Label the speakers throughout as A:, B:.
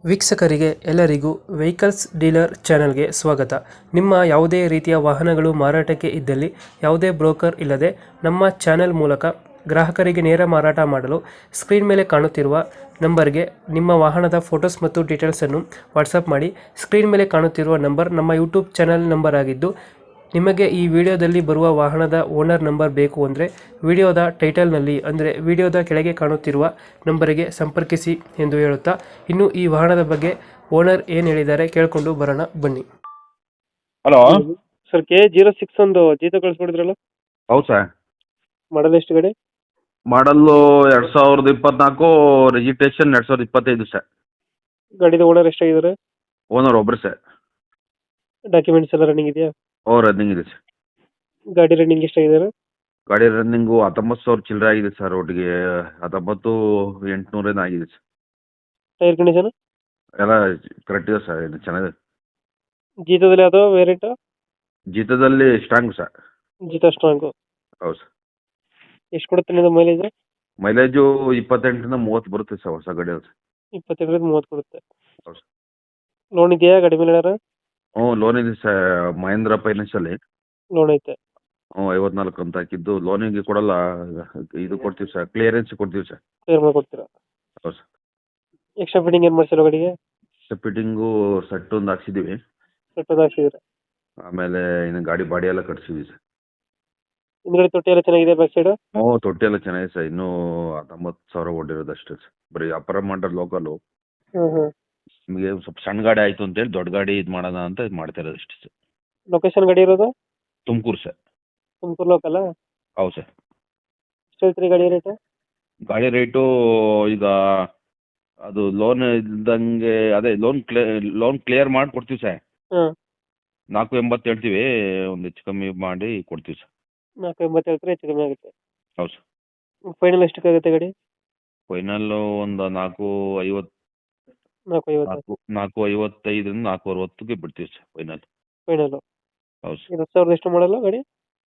A: ವೀಕ್ಷಕರಿಗೆ ಎಲ್ಲರಿಗೂ vehicles dealer ಚಾನೆಲ್ಗೆ ಸ್ವಾಗತ. ನಿಮ್ಮ ಯಾವುದೇ ರೀತಿಯ ವಾಹನಗಳು ಮಾರಾಟಕ್ಕೆ ಇದ್ದಲ್ಲಿ ಯಾವುದೇ ಬ್ರೋಕರ್ ಇಲ್ಲದೆ ನಮ್ಮ ಚಾನೆಲ್ ಮೂಲಕ ಗ್ರಾಹಕರಿಗೆ ನೇರ ಮಾರಾಟ ಮಾಡಲು ಸ್ಕ್ರೀನ್ ಮೇಲೆ ಕಾಣುತ್ತಿರುವ ನಂಬರ್ಗೆ ನಿಮ್ಮ ವಾಹನದ ಫೋಟೋಸ್ ಮತ್ತು ಡೀಟೇಲ್ಸನ್ನು ವಾಟ್ಸಪ್ ಮಾಡಿ. ಸ್ಕ್ರೀನ್ ಮೇಲೆ ಕಾಣುತ್ತಿರುವ ನಂಬರ್ ನಮ್ಮ ಯೂಟ್ಯೂಬ್ ಚಾನೆಲ್ ನಂಬರ್ ಆಗಿದ್ದು, ನಿಮಗೆ ಈ ವಿಡಿಯೋದಲ್ಲಿ ಬರುವ ವಾಹನದ ಓನರ್ ನಂಬರ್ ಬೇಕು ಅಂದರೆ ವಿಡಿಯೋದ ಟೈಟಲ್ನಲ್ಲಿ ಅಂದರೆ ವಿಡಿಯೋದ ಕೆಳಗೆ ಕಾಣುತ್ತಿರುವ ನಂಬರಿಗೆ ಸಂಪರ್ಕಿಸಿ ಎಂದು ಹೇಳುತ್ತಾ, ಇನ್ನು ಈ ವಾಹನದ ಬಗ್ಗೆ ಓನರ್ ಏನು ಹೇಳಿದ್ದಾರೆ ಕೇಳಿಕೊಂಡು ಬರೋಣ ಬನ್ನಿ.
B: ಹಲೋ.
A: ಸರ್ K06 ಒಂದು ಜೀತ ಕಳಿಸ್ಕೊಡಿದ್ರಲ್ಲ,
B: ಹೌದು ಸರ್.
A: ಮಾಡಲ್ ಎಷ್ಟು ಗಾಡಿ?
B: Model 2024, registration 2025 sir.
A: ಗಾಡಿದ ಓನರ್ ಎಷ್ಟಾಗಿದ್ದಾರೆ?
B: ಓನರ್ ಒಬ್ರು ಸರ್.
A: ಡಾಕ್ಯುಮೆಂಟ್ಸ್ ಎಲ್ಲ ರನ್ನಿಂಗ್ ಇದೆಯಾ?
B: ರನ್ನಿಂಗ್ ಇದೆ ಸರ್.
A: ಗಾಡಿ ರನ್ನಿಂಗ್ ಎಷ್ಟಾಗಿದ್ದಾರೆ?
B: ಗಾಡಿ ರನ್ನಿಂಗು 19,000 ಚಿಲ್ಲರೆ ಆಗಿದೆ ಸರ್. ಒಟ್ಟಿಗೆ 19,800 ಆಗಿದೆ ಸರ್.
A: ಟೈರ್ ಕಂಡೀಷನ್
B: ಎಲ್ಲ ಕರೆಕ್ಟ್ ಇದೆ ಸರ್. ಇದು ಚೆನ್ನಾಗಿದೆ.
A: ಜೀತದಲ್ಲಿ ಯಾವುದೋ ವೇರಿಯಂಟ್?
B: ಜೀತದಲ್ಲಿ ಸ್ಟ್ರಾಂಗ್ ಸರ್.
A: ಜೀತ ಸ್ಟ್ರಾಂಗು.
B: ಹೌದು ಸರ್.
A: ಎಷ್ಟು ಕೊಡುತ್ತೆ ನಿಮ್ಮದು ಮೈಲೇಜ್?
B: ಮೈಲೇಜು 28 ಇಂದ 30 ಬರುತ್ತೆ ಸರ್. ಹೊಸ ಗಾಡಿ ಅದು.
A: 25-30 ಕೊಡುತ್ತೆ.
B: ಹೌದು ಸರ್.
A: ಲೋನ್ ಇದೆಯಾ ಗಾಡಿ ಮೇಲೆ?
B: ಲೋನ್ ಇದೆ ಸರ್. ಮಹೇಂದ್ರ ಫೈನಾನ್ಸಲ್ಲಿ
A: ಲೋನ್ ಐತೆ.
B: 54 ಅಂತ ಹಾಕಿದ್ದು. ಲೋನಿಗೆ ಕೊಡಲ್ಲ, ಇದು ಕೊಡ್ತೀವಿ ಸರ್, ಕ್ಲಿಯರೆನ್ಸ್ ಕೊಡ್ತೀವಿ ಸರ್.
A: ಕ್ಲಿಯರ್ ಮಾಡಿಕೊಡ್ತೀರಾ?
B: ಹೌದು ಸರ್.
A: ಎಕ್ಸ್ಟ್ರಾ ಫಿಟ್ಟಿಂಗ್ ಏನು ಮಾಡಿಸಿರೋ ಗಾಡಿಗೆ?
B: ಫಿಟ್ಟಿಂಗು ಸೆಟ್ ಒಂದು ಹಾಕ್ಸಿದ್ದೀವಿ.
A: ಸೆಟ್ಟದ ಹಾಕ್ಸಿದ್ರೆ
B: ಆಮೇಲೆ ಇನ್ನು ಗಾಡಿ ಬಾಡಿ ಎಲ್ಲ ಕಟ್ಸಿದ್ವಿ ಸರ್.
A: ಹಿಂದ್ಗಡೆ ತೊಟ್ಟಿ ಎಲ್ಲ ಚೆನ್ನಾಗಿದೆ ಬ್ಯಾಕ್ ಸೈಡ್?
B: ತೊಟ್ಟಿ ಎಲ್ಲ ಚೆನ್ನಾಗಿದೆ ಸರ್. ಇನ್ನೂ 19,000 ಓಡಿರೋದು ಅಷ್ಟೇ ಸರ್. ಬರೀ ಅಪರ ಮಾಡರ್ ಲೋಕಲು. ನಿಮಗೆ ಸ್ವಲ್ಪ ಸಣ್ಣ ಗಾಡಿ ಆಯಿತು ಅಂತೇಳಿ ದೊಡ್ಡ ಗಾಡಿ ಇದು ಮಾಡೋಣ ಅಂತ ಇದು ಮಾಡ್ತಾ ಇರೋದು ಅಷ್ಟೇ ಸರ್.
A: ಲೊಕೇಶನ್ ಗಾಡಿ ಇರೋದು?
B: ತುಮಕೂರು ಸರ್.
A: ತುಮಕೂರು ಲೋಕಲ್?
B: ಹೌದು ಸರ್.
A: ಎಷ್ಟು ಹೇಳ್ತೀರಿ ಗಾಡಿ ರೇಟ್?
B: ಗಾಡಿ ರೇಟು ಈಗ ಅದು ಲೋನ್ ಇದ್ದಂಗೆ, ಅದೇ ಲೋನ್ ಕ್ಲಿಯರ್ ಮಾಡಿ ಕೊಡ್ತೀವಿ ಸರ್. 480 ಹೇಳ್ತೀವಿ, ಒಂದು ಹೆಚ್ಚು ಕಮ್ಮಿ ಮಾಡಿ ಕೊಡ್ತೀವಿ ಸರ್.
A: 480 ಹೇಳ್ತಾರೆ, ಹೆಚ್ಚು ಕಮ್ಮಿ ಆಗುತ್ತೆ.
B: ಹೌದು ಸರ್.
A: ಫೈನಲ್ ಎಷ್ಟಕ್ಕಾಗುತ್ತೆ ಗಾಡಿ?
B: ಫೈನಲ್ಲು ಒಂದು 450,
A: 450.
B: 455 460ಗೆ ಬಿಡ್ತೀವಿ ಸರ್ ಫೈನಲ್.
A: ಫೈನಲ್.
B: ಹೌದು ಸರ್.
A: 2000 ಎಷ್ಟು ಮಾಡಲ್ಲ ಗಾಡಿ?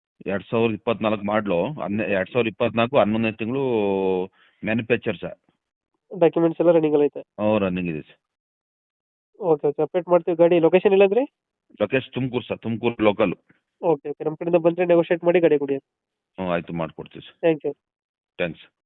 B: 2024 ಮಾಡಲು. 2024 11ನೇ ತಿಂಗಳು ಮ್ಯಾನುಫ್ಯಾಕ್ಚರ್ ಸರ್.
A: ಡಾಕ್ಯುಮೆಂಟ್ಸ್ ಎಲ್ಲ ರನ್ನಿಂಗ್ ಎಲ್ಲ ಐತೆ?
B: ರನ್ನಿಂಗ್ ಇದೆ ಸರ್.
A: ಓಕೆ ಓಕೆ, ಅಪ್ಡೇಟ್ ಮಾಡ್ತೀವಿ. ಗಾಡಿ ಲೊಕೇಶನ್ ಇಲ್ಲಂದ್ರೆ?
B: Location Tumakuru sir. Tumakuru local.
A: Okay okay, ನಮ್ಮ ಕಡೆಯಿಂದ ಬಂದರೆ ನೆಗೋಷಿಯೇಟ್ ಮಾಡಿ ಗಾಡಿ ಕೊಡಿ.
B: ಆಯಿತು, ಮಾಡಿಕೊಡ್ತೀವಿ ಸರ್.
A: Thank you.
B: ಥ್ಯಾಂಕ್ಸ್.